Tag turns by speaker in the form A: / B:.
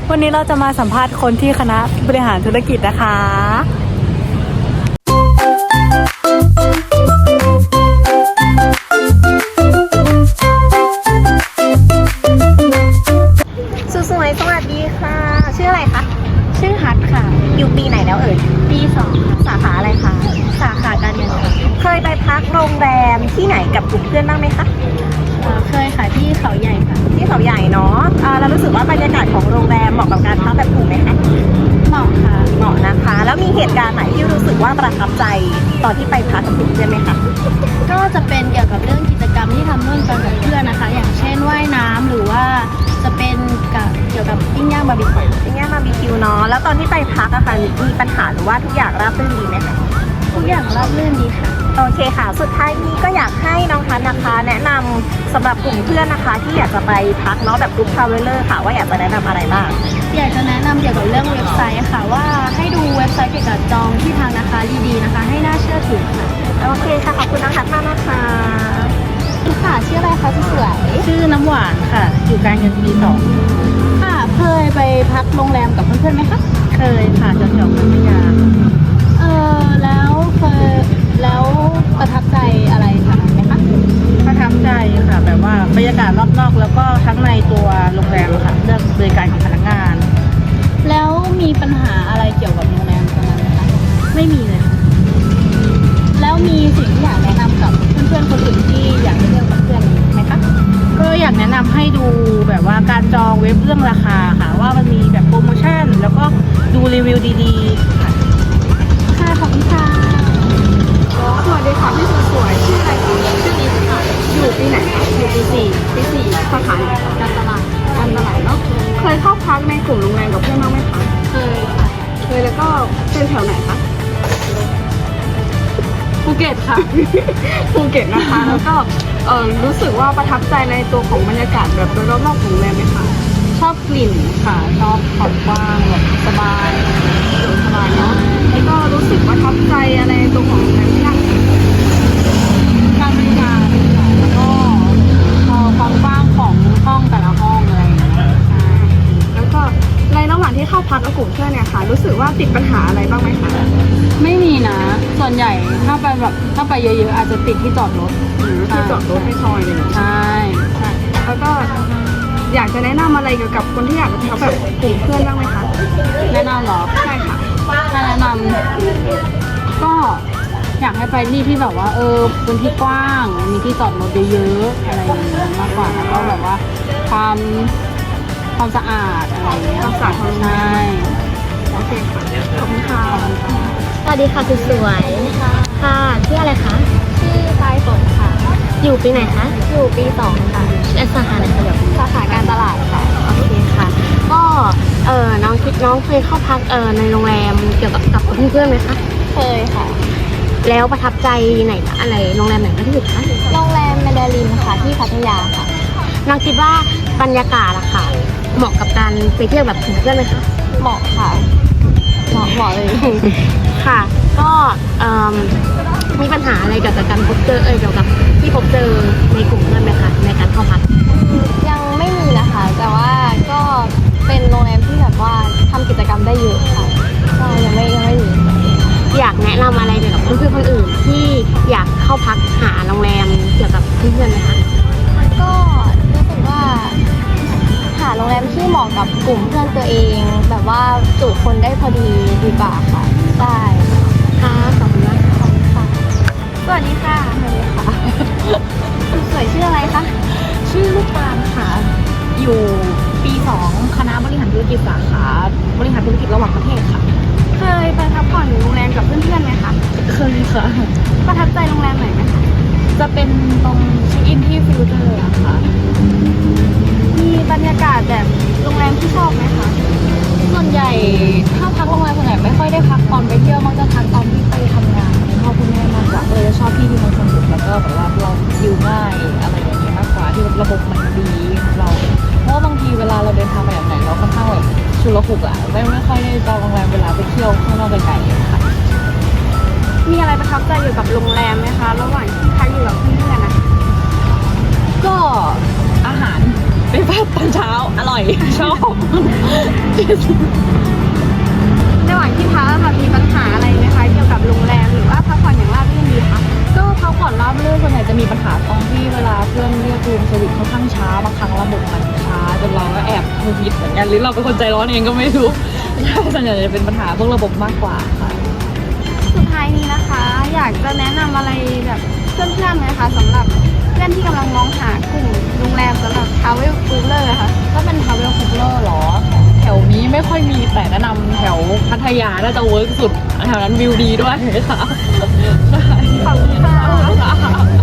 A: วันนี้เราจะมาสัมภาษณ์คนที่คณะบริหารธุรกิจนะคะ
B: สวยๆสวัสดีค่ะชื่ออะไรคะ
C: ชื่อฮัทค่ะ
B: อยู่ปีไหนแล้วเอ่ย
C: ปี2ค่ะ
B: สาขาอะไรคะ
C: สาขาการเงินค่ะ
B: เคยไปพักโรงแรมที่ไหนกับกลุ่มเพื่อนบ้างไหมคะ
C: เคยค่ะที่เขาใหญ่ค่ะ
B: ที่เขาใหญ่เนาะเรารู้สึกว่าบรรยากาศของโรงแรมเหมาะกับการพักแบบกลุ่มไหมคะ
C: เหมาะค่ะ
B: เหมาะนะคะแล้วมีเหตุการณ์ไหนที่รู้สึกว่าประทับใจตอนที่ไปพักกับกลุ่มเพื่อนไหมคะ
C: ก็จะเป็นเกี่ยวกับเรื่องกิจกรรมที่ทำร่วมกันกับเพื่อนนะคะอย่างเช่นว่ายน้ำหรือว่าจะเป็นเกี่ยวกับปิ้งย่างบาร์บีคิว
B: เนาะแล้วตอนที่ไปพักอะค่ะมีปัญหาหรือว่าทุกอย่างราบรื่นดีไหมคะ
C: ทุกอย่างราบรื่นดีค่ะ
B: โอเคค่ะสุดท้ายนี้ก็อยากให้น้องทัศน์นะคะแนะนำสำหรับกลุ่มเพื่อนนะคะที่อยากจะไปพักเนาะแบบกลุ่มทราเวลเลอร์ค่ะว่าอยากจะแนะนำอะไรบ้าง
C: อยากจะแนะนำเกี่ยวกับเรื่องเว็บไซต์ค่ะว่าให้ดูเว็บไซต์เกี่ยวกับจองที่ทางนะคะดีๆนะคะให้น่าเชื่อถือค่ะ
B: โอเคค่ะขอบคุณน้องทัศน์มากนะคะ
C: ค่ะชื่ออะไรคะสวย
A: ชื่อน้ำหวานค่ะอยู่การเงินปี2
C: ค่ะเคยไปพักโรงแรมกับเพื่อนๆไหมคะ
A: เคยค่ะแถวๆพัทยา
C: แล้วประทับใจอะไรคะไหมคะ
A: ประทับใจค่ะแบบว่าบรรยากาศรอบนอกแล้วก็ทั้งในตัวโรงแรมค่ะเรื่องบริการของพนักงาน
C: แล้วมีปัญหาอะไรเกี่ยวกับโรงแรมตรงนั้นไหมคะ
A: ไม่มีเลย
C: แล้วมีสิ่งที่อยากแนะนำกับเพื่อนๆคนอื่นที่อยากไปเที่ยวกับเพื่อนไหมคะ
A: ก็อยากแนะนำให้ดูแบบว่าการจองเว็บเรื่องราคาค่ะว่ามันมีแบบโปรโมชั่นแล้วก็ดูรีวิวดีๆค่ะ
C: ค่ะขอบคุณค่ะ
B: สวัสดีค่ะพี่สวยชื่ออะไรคะ
C: ชื่อนิดค่ะ
B: อยู่ปีไหนคะ
C: อยู่ปี 4
B: สาขาไหนคะ
C: การตลาด
B: เนาะเคยเข้าพักในกลุ่มโรงแรมกับเพื่อนบ้างไหมคะ
C: เคยค่ะ
B: เคยแล้วก็เป็นแถวไหนคะ
C: ภูเก็ตค่ะ
B: ภูเก็ตนะคะแล้วก็รู้สึกว่าประทับใจในตัวของบรรยากาศแบบโดยรอบๆของโรงแรมไหมคะ
C: ชอบกลิ่นค่ะชอบความกว้างแบบสบาย
B: เนาะแล้วก็รู้สึกประทับใจอะไรในตัวของโรงแรมที่นั่ง
C: การบริการค่ะแล้วก็ความกว้างของห้องแต่ละห้องอะไรอย่างเงี้ย
B: ใช่แล้วก็ในระหว่างที่เข้าพักกับกลุ่มเพื่อนเนี่ยค่ะรู้สึกว่าติดปัญหาอะไรบ้างไหมคะ
C: ไม่มีนะส่วนใหญ่ถ้าไปเยอะๆอาจจะติดที่จอดรถ
B: ที่จอดรถให้ซอยเลย
C: ใช่
B: แล้วก็อยากจะแนะนำอะไรเกี่ยวกับคนที่อยากไปพักแบบกลุ่มเพื่อนบ้างไหมคะ
C: แนะนำเหรอ
B: ใช่ค่ะ
C: ถ้าแนะนำก็อยากให้ไปที่แบบว่าพื้นที่กว้างมีที่จอดรถเยอะๆอะไรอย่างเงี้ยมากกว่าแล้วก็แบบว่าความสะอาดอะไรอย่างเงี้ย
B: ความสะอาด
C: ใช่
B: โอเคค่ะขอบคุณค่ะ
C: สวัสดีค่ะคุณสวยค่ะชื่ออะไรคะ
B: ชื่อปลายฝนค่ะ
C: อยู่ปีไหนคะ
B: อยู่ปี2ค่ะ
C: สาขาไหนคะแบบ
B: สาขาการตลาดค่ะ
C: โอเคค่ะก็น้องเคยเข้าพักในโรงแรมเกี่ยวกับเพื่อนๆไหมคะ
B: เคยค่ะ
C: แล้วประทับใจไหนอะไรโรงแรมไหนที่สุดคะ
B: โรงแรมแมนดารินค่ะที่พัทยาค่ะ
C: น้องคิดว่าบรรยากาศอะค่ะเหมาะกับการไปเที่ยวแบบกลุ่มเพื่อนไหมคะ
B: เหมาะค่ะเหมาะเลย
C: ค่ะก็มีปัญหาอะไรเกี่ยวกับการพบเจอเกี่ยวกับที่พบเจอในกลุ่มเพื่อนไหมคะในการเข้าพัก
B: ยังไม่มีนะคะแต่ว่าก็เป็นโรงแรมที่แบบว่าทำกิจกรรมได้เยอะค่ะก็ยังไม่มี
C: อยากแนะนำอะไรเกี่ยวกับเพื่อนๆคนอื่นที่อยากเข้าพักหาโรงแรมเกี่ยวกับเพื่อนๆไหมคะ
B: ก็รู้สึกว่าหาโรงแรมที่เหมาะกับกลุ่มเพื่อนตัวเองแบบว่าจุคนได้พอดีดีกว่าค่ะได้
C: ค่ะขอบคุณมาก
B: ค่ะสวัสดีค่ะสวยชื่ออะไรคะ
A: ชื่อลูกปานค่ะอยู่ปี2คณะบริหารธุรกิจสาขาบริหารธุรกิจระหว่างประเทศค่ะ
B: เคยไปพักผ่อนอยู่โรงแรมกับเพื่อนๆไหมคะ
A: เคยค่ะ
B: ประทับใจโรงแรมไหนไหมคะ
A: จะเป็นตรงเช็คอินที่ฟิวเจอร์ค่ะ
B: มีบรรยากาศแบบโรงแรมที่ชอบไหมคะ
A: ส่วนใหญ่ถ้าพักโรงแรมส่วนใหญ่ไม่ค่อยได้พักตอนไปเที่ยวมักจะพักตอนที่ไปทำงานคุณพ่อคุณแม่มากกว่าจะชอบที่มันสนุกแล้วก็แบบว่าเราอยู่ง่ายอะไรอย่างเงี้ยมากกว่าที่ระบบมันดีของเราเพราะว่าบางทีเวลาเราเดินทางไปไหนเราค่อนข้างแบบชุลมุนไม่ค่อยได้จองโรงแรมเวลาไปเที่ยวข้างนอกไกลๆค่ะ
B: มีอะไรประทับใจอยู่กับโรงแรมไหมคะระหว่างที่พักอยู่กับเพื่อนๆนะ
A: ก็อาหารเป็นแบบตอนเช้าอร่อยชอบ
B: ระหว่างที่พักแบบมีปัญหาอะไรไหมคะเกี่ยวกับโรงแรมหรือว่าพักผ่อนอย่างราบรื่นดีคะ
A: ก็พักผ่อนราบรื่นส่วนใหญ่จะมีปัญหาตรงที่เวลาเพื่อนเรียกรูมเซอร์วิสค่อนข้างช้าบางครั้งระบบมันช้าจนเราก็แอบหงุดหงิดเหมือนกันหรือเราเป็นคนใจร้อนเองก็ไม่รู้ใช่ส่วนใหญ่จะเป็นปัญหาพวกระบบมากกว่าค่ะ
B: สุดท้ายนี้นะคะ อยากจะแนะนำอะไรแบบเพื่อนๆไหมคะสำหรับเพื่อนที่กำลังมองหากลุ่มโรงแรมสำหรับ Travel Cooler ค่ะ
A: ถ้าเป็น Travel Cooler หรอ แถวนี้ไม่ค่อยมีแต่แนะนำแถวพัทยาน่าจะเวิร์กสุดแถวนั้นวิวดีด้วยค่ะใช่
B: ขอบคุณค่ะ